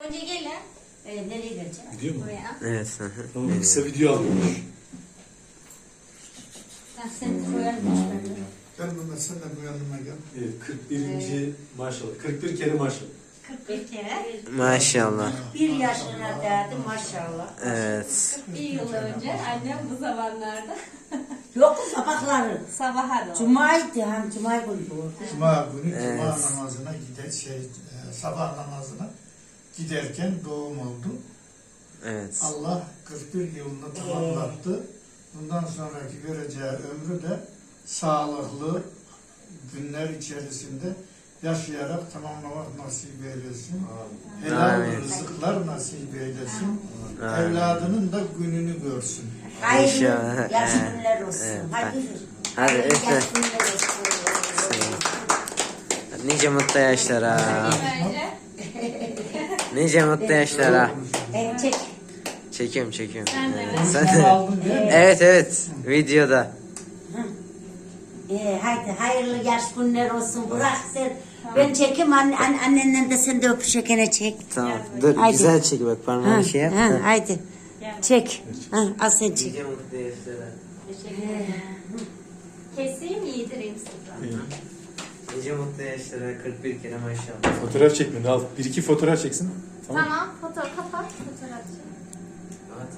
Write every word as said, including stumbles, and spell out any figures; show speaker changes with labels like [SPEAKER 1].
[SPEAKER 1] Önce gelin. Ee, nereye geleceğim?
[SPEAKER 2] Gidiyor mu?
[SPEAKER 1] Buraya.
[SPEAKER 3] Evet. hı hı.
[SPEAKER 2] Tamam, kısa video alıyormuş.
[SPEAKER 1] Ben seni koyarım ben.
[SPEAKER 4] Gel Mehmet sen de bu yanıma gel.
[SPEAKER 2] Evet, kırk birinci maşallah. kırk bir kere maşallah.
[SPEAKER 1] kırk bir kere.
[SPEAKER 3] Maşallah.
[SPEAKER 5] Bir yaşına derdi maşallah.
[SPEAKER 3] Evet.
[SPEAKER 1] kırk bir yıl önce annem bu zamanlarda
[SPEAKER 5] Yok sabahları.
[SPEAKER 1] sabaha doğru.
[SPEAKER 5] Cuma'ydı hem Cuma günü bu.
[SPEAKER 4] Cuma günü
[SPEAKER 3] Evet.
[SPEAKER 4] Cuma namazına gider şey e, sabah namazına giderken doğum oldu.
[SPEAKER 3] Evet.
[SPEAKER 4] Allah kırk bir yılını tamamlattı. Bundan sonraki göreceği ömrü de sağlıklı günler içerisinde yaşayarak tamamlamak nasip eylesin. Helal
[SPEAKER 3] Amin.
[SPEAKER 4] rızıklar nasip eylesin.
[SPEAKER 3] Amin.
[SPEAKER 4] Evladının da gününü görsün.
[SPEAKER 5] Hayırlı
[SPEAKER 3] İnşallah.
[SPEAKER 5] yaş
[SPEAKER 3] Evet.
[SPEAKER 5] günler olsun.
[SPEAKER 3] Evet.
[SPEAKER 5] Hadi.
[SPEAKER 3] Hadi
[SPEAKER 5] Hayırlı
[SPEAKER 3] üfle.
[SPEAKER 5] yaş günler olsun.
[SPEAKER 3] Nice mutlu yaşlara.
[SPEAKER 1] Önce
[SPEAKER 3] Nice mutlu yaşlara.
[SPEAKER 5] Evet, çek.
[SPEAKER 3] Çekiyorum çekiyorum.
[SPEAKER 1] Sen de.
[SPEAKER 3] Evet, sen
[SPEAKER 4] Sen
[SPEAKER 3] de.
[SPEAKER 4] aldın değil mi?
[SPEAKER 3] Evet evet. Videoda.
[SPEAKER 5] Ee, haydi hayırlı yaş günler olsun. Bırak sen. Ben çekeyim anne, anne, annenden de sen de öpüşekene çek.
[SPEAKER 3] Tamam. Dur
[SPEAKER 5] Haydi.
[SPEAKER 3] güzel çek bak parmağını şey yap.
[SPEAKER 5] ha,
[SPEAKER 3] da.
[SPEAKER 5] haydi. Çek. Ha, al sen çek.
[SPEAKER 3] Nice mutlu yaşlara.
[SPEAKER 1] teşekkür ederim. Keseyim yedireyim size.
[SPEAKER 3] Nice mutlu yaşlara. kırk bir kere maşallah.
[SPEAKER 2] Fotoğraf çekmeni al. Bir iki fotoğraf çeksin. Tamam.
[SPEAKER 1] Tamam